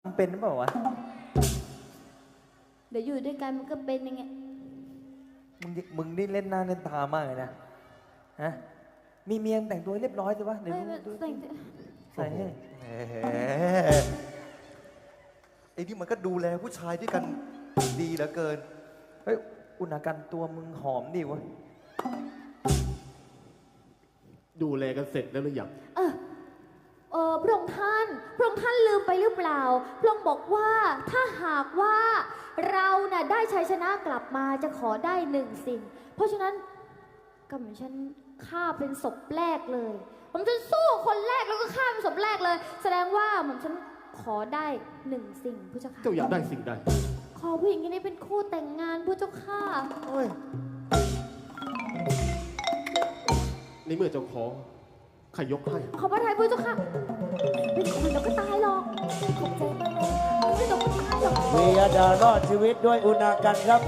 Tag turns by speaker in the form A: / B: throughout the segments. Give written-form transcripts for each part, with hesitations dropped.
A: เป็นหรือเปล่าวะ
B: เดี๋ยวอยู่ด้วยกันมันก็เป็นยังไง
A: มึงนี่เล่นหน้าเล่นตามากเลยนะฮะมีเมียงแต่งตัวเรียบร้อยสิวะเดี๋ยว
B: ไม่
A: ดู
B: แต่ง
A: ใส่ให้
C: แหมไอ้นี่มันก็ดูแลผู้ชายด้วยกันดีเหลือเกิน
A: เฮ้ยอุณากันตัวมึงหอมดีวะ
D: ดูแลกันเสร็จแล้วหรือยัง
B: พระองค์ท่านลืมไปหรือเปล่าพระองค์บอกว่าถ้าหากว่าเราน่ะได้ชัยชนะกลับมาจะขอได้หนึ่งสิ่งเพราะฉะนั้นก็เหมือนฉันฆ่าเป็นศพแรกเลยผมจะสู้คนแรกแล้วก็ฆ่าเป็นศพแรกเลย แสดงว่าผมฉันขอได้หนึ่งสิ่งพระเจ้าค่ะ
D: เจ้าอยากได้สิ่งใด
B: ขอผู้หญิงคนนี้เป็นคู่แต่งงานพระเจ้าค่ะ
C: เฮ้ย
D: ในเมื่อเจ้าขอข้ายกให้
B: ขอพระทัยพระเจ้าค่ะเป็นคนเราก็ตายหรอกขอบใจมากเลยไม่ต้องตายหรอก
E: วียดารอดชีวิตด้วยอุณากันครับ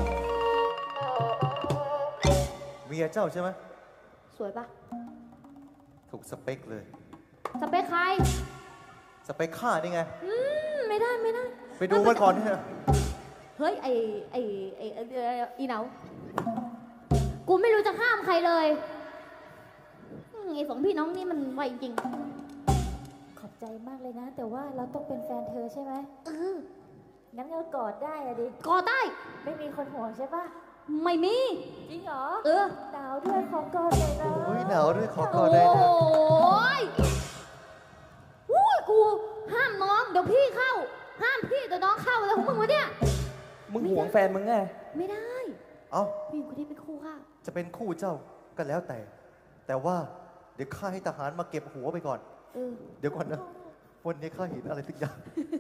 C: เมียเจ้าใช่ไหม
B: สวยปะ
C: ถูกสเปคเลย
B: สเปคใคร
C: สเปคข้านี่ไง
B: ไม่ได้
C: ไปดูมันก่อนเนี่ย
B: เฮ้ยอีเหนากูไม่รู้จะห้ามใครเลยไอ้สองพี่น้องนี่มันไวจริง
F: ขอบใจมากเลยนะ แต่ว่าเราต้องเป็นแฟนเธอใช่ไหมงั้นเรากอดได้อะดิ
B: กอได้
F: ไม่มีคนห่วงใช่ปะ
B: ไม่มี
F: จริงเหรอ
B: ห
F: หนาวด้วยขอกอดเลยนะ
C: โอ้ยหนาวด้วยขอ
B: โอก
C: อดได้นะ
B: ้ยอุ้ยกูห้ามน้องเดี๋ยวพี่เข้า ห้ามพี่เดี๋ยวน้องเข้าอะไรของมึงวะเนี่ย
A: มึงหวงแฟนมึงไง
B: ไม่ได้
C: เอ้า
B: ผู้หญิงคนนี้เป็นคู่ค่ะ
C: จะเป็นคู่เจ้าก็แล้วแต่ แต่ว่าเดี๋ยวข้าให้ทหารมาเก็บหัวไปก่อน เดี๋ยวก่อนนะ วันนี้ข้าเห็นอะไรทุกอย่าง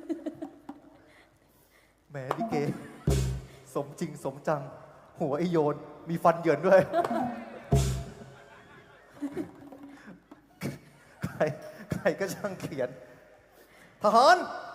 C: แหมลิเก สมจริงสมจัง หัวไอโยน มีฟันเหยินด้วย ใครก็ช่างเขียน ทหาร